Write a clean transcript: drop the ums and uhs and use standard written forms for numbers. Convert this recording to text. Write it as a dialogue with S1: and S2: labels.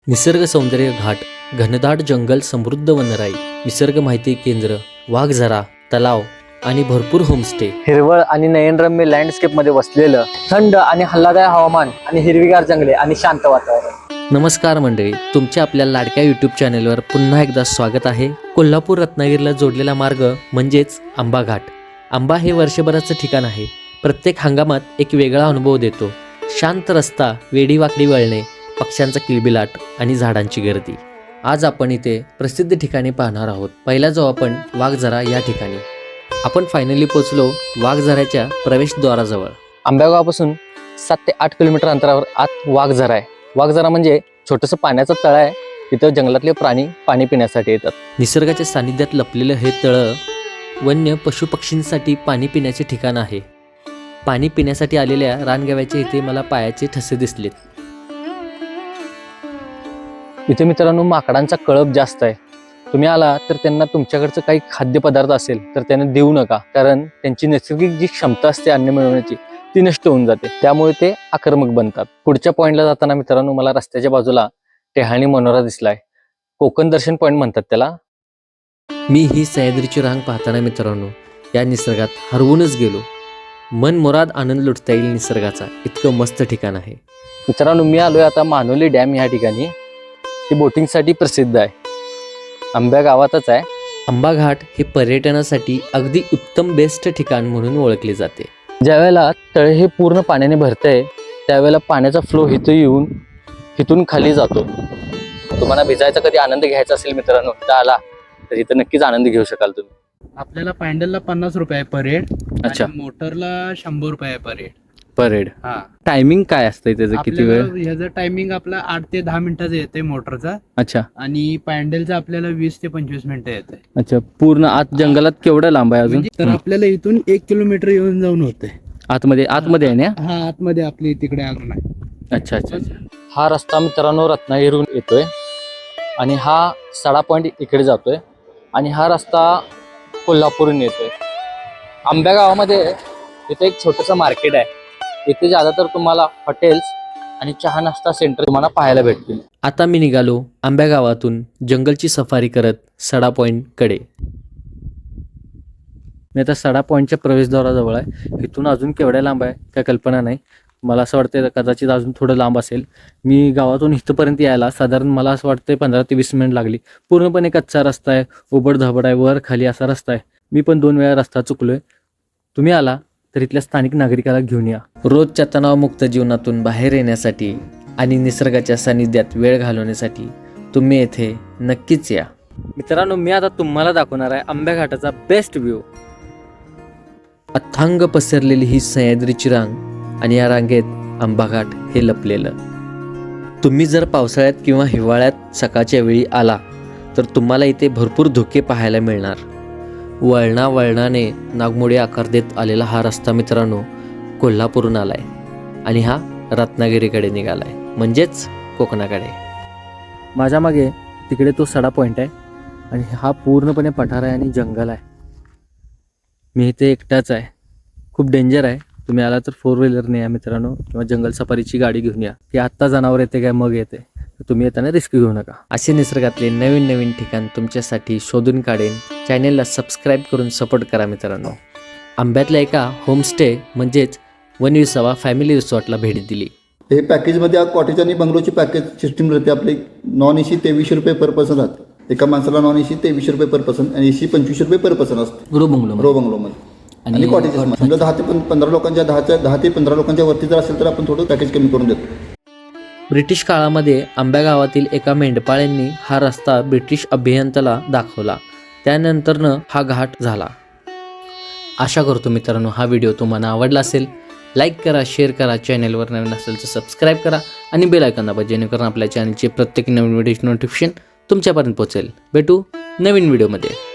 S1: निसर्ग सौंदर्य घाट, घनदाट जंगल, समृद्ध वनराई, निसर्ग माहिती केंद्र, वाघझरा, तलाव आणि भरपूर होमस्टे.
S2: हिरवळ आणि नयनरम्य लँडस्केप मध्ये वसलेलं थंड आणि आल्हाददायक हवामान आणि हिरवीगार जंगले आणि शांत वातावरण.
S1: नमस्कार मंडळी, तुमच्या आपल्या लाडक्या यूट्यूब चॅनलवर पुन्हा एकदा स्वागत आहे. कोल्हापूर रत्नागिरीला जोडलेला मार्ग म्हणजेच आंबा घाट. आंबा हे वर्षभराचं ठिकाण आहे. प्रत्येक हंगामात एक वेगळा अनुभव देतो. शांत रस्ता, वेडीवाकडी वळणे, पक्ष्यांचा किलबिलाट आणि झाडांची गर्दी. आज आपण इथे प्रसिद्ध ठिकाणी पाहणार आहोत. पहिला जाऊ आपण वाघझरा या ठिकाणी. आपण फायनली पोहोचलो वाघझऱ्याच्या प्रवेशद्वाराजवळ.
S2: आंब्यागावापासून 7 ते 8 किलोमीटर अंतरावर आत वाघझरा आहे. वाघझरा म्हणजे छोटंसं पाण्याचं तळ आहे. तिथं जंगलातले प्राणी पाणी पिण्यासाठी येतात.
S1: निसर्गाच्या सानिध्यात लपलेलं हे तळं वन्य पशुपक्षींसाठी पाणी पिण्याचे ठिकाण आहे. पाणी पिण्यासाठी आलेल्या रानगव्याचे इथे मला पायाचे ठसे दिसलेत.
S2: इथे मित्रांनो माकडांचा कळप जास्त आहे. तुम्ही आला तर त्यांना तुमच्याकडचं काही खाद्यपदार्थ असेल तर त्यांना देऊ नका, कारण त्यांची नैसर्गिक जी क्षमता असते अन्न मिळवण्याची ती नष्ट होऊन जाते. त्यामुळे ते आक्रमक बनतात. पुढच्या पॉईंटला जाताना मित्रांनो मला रस्त्याच्या बाजूला टेहाळणी मनोरा दिसलाय. कोकण दर्शन पॉईंट म्हणतात त्याला.
S1: मी ही सह्याद्रीची रांग पाहताना मित्रांनो या निसर्गात हरवूनच गेलो. मनमुराद आनंद लुटता येईल निसर्गाचा, इतकं मस्त ठिकाण आहे.
S2: मित्रांनो मी आलोय आता मानोली डॅम या ठिकाणी. ही बोटिंगसाठी प्रसिद्ध आहे. आंब्या गावातच आहे.
S1: आंबा घाट हे पर्यटनासाठी अगदी उत्तम बेस्ट ठिकाण म्हणून ओळखले जाते.
S2: ज्यावेळेला तळ हे पूर्ण पाण्याने भरतंय त्यावेळेला पाण्याचा फ्लो इथं येऊन इथून खाली जातो. तुम्हाला भिजायचा कधी आनंद घ्यायचा असेल मित्रांनो, इथं आला तर इथं नक्कीच आनंद घेऊ शकाल तुम्ही.
S3: आपल्याला पॅन्डलला 50 रुपये आहे पर हेड.
S2: अच्छा.
S3: मोटरला 100 रुपये आहे पर हेड.
S2: Per head.
S3: हा.
S2: टायमिंग काय असतंय त्याचं, किती वेळ?
S3: ह्याचं टायमिंग आपला 8 ते 10 मिनिटाचं येते मोटरचा,
S2: अच्छा
S3: आणि पॅन्डलचा आपल्याला 20 ते 25 मिनिटं येते.
S2: अच्छा. पूर्ण आत जंगलात केवढं लांब आहे अजून?
S3: तर आपल्याला इथून 1 किलोमीटर येऊन जाऊन होते.
S2: आतमध्ये आहे ना?
S3: हा, आतमध्ये आपली तिकडे अजून आहे.
S2: अच्छा अच्छा अच्छा. हा रस्ता मित्रांनो रत्नागिरीहून येतोय आणि हा सडा पॉईंट इकडे जातोय आणि हा रस्ता कोल्हापूरहून येतोय. आंब्या गावामध्ये इथे एक छोटंसं मार्केट आहे. इथे ज्यादातर तुम्हाला हॉटेल्स आणि चहा नाश्ता सेंटर तुम्हाला पाहायला भेटतील.
S1: आता मी निघालो आंब्या गावातून जंगलची सफारी करत सडा पॉइंट कडे.
S2: मी आता सडा पॉईंटच्या प्रवेशद्वाराजवळ आहे. इथून अजून केवढ्या लांब आहे काय कल्पना नाही. मला असं वाटतं कदाचित अजून थोडं लांब असेल. मी गावातून इथपर्यंत यायला साधारण मला असं वाटतं 15 ते 20 मिनिट लागली. पूर्णपणे कच्चा रस्ता आहे, उबड धाबड आहे, वर खाली असा रस्ता आहे. मी पण 2 वेळा रस्ता चुकलोय. तुम्ही आला तर इथल्या स्थानिक नागरिकाला घेऊन या.
S1: रोजच्या तणावमुक्त जीवनातून बाहेर येण्यासाठी आणि निसर्गाच्या सानिध्यात वेळ घालवण्यासाठी तुम्ही येथे नक्कीच या.
S2: मित्रांनो मी आता तुम्हाला दाखवणार आहे आंब्या घाटाचा बेस्ट व्ह्यू.
S1: अथांग पसरलेली ही सह्याद्रीची रांग आणि या रांगेत आंबा घाट हे लपलेलं. तुम्ही जर पावसाळ्यात किंवा हिवाळ्यात सकाळच्या वेळी आला तर तुम्हाला इथे भरपूर धुके पाहायला मिळणार. वळणाने नागमोडी आकार देत आलेला हा रस्ता मित्रांनो कोल्हापूरहून आलाय आणि हा रत्नागिरीकडे निघालाय, म्हणजेच कोकणाकडे.
S2: माझ्या मागे तिकडे तो सडा पॉईंट आहे आणि हा पूर्णपणे पठार आहे आणि जंगल आहे. मी इथे एकटाच आहे. खूप डेंजर आहे. तुम्ही आला तर 4 व्हीलरने या मित्रांनो, किंवा जंगल सफारीची गाडी घेऊन या. की आत्ता जनावर येते काय मग येते, तुम्ही येताना रिस्क घेऊ नका.
S1: असे निसर्गातले नवीन नवीन ठिकाण तुमच्यासाठी शोधून काढेन. चॅनेलला सबस्क्राईब करून सपोर्ट करा मित्रांनो. आंब्यातल्या एका होमस्टे म्हणजेच वनविसावा फॅमिली रिसॉर्टला भेट दिली.
S4: हे पॅकेजमध्ये कॉटेज आणि बंगलोची पॅकेज सिस्टीम राहते. आपली नॉन एसी 2300 रुपये पर पर्सन राहते. एका माणसाला नॉन एसी 2300 रुपये पर पर्सन आणि एसी 2500 रुपये पर पर्सन असते रो बंगलोमध्ये. आणि कॉटेजेस समजा 10 ते 15 लोकांच्या 10 ते 15 लोकांच्या वरती जर असेल तर आपण थोडं पॅकेज कमी करून देतो.
S1: ब्रिटिश काळामध्ये आंब्या गावातील एका मेंढपाळांनी हा रस्ता ब्रिटिश अभियंत्याला दाखवला. त्यानंतरनं हा घाट झाला. आशा करतो मित्रांनो हा व्हिडिओ तुम्हाला आवडला असेल. लाईक करा, शेअर करा, चॅनेलवर नवीन असेल तर सबस्क्राईब करा आणि बेल आयकॉन दाबा, जेणेकरून आपल्या चॅनलचे प्रत्येक नवीन व्हिडिओची नोटिफिकेशन तुमच्यापर्यंत पोहोचेल. भेटू नवीन व्हिडिओमध्ये.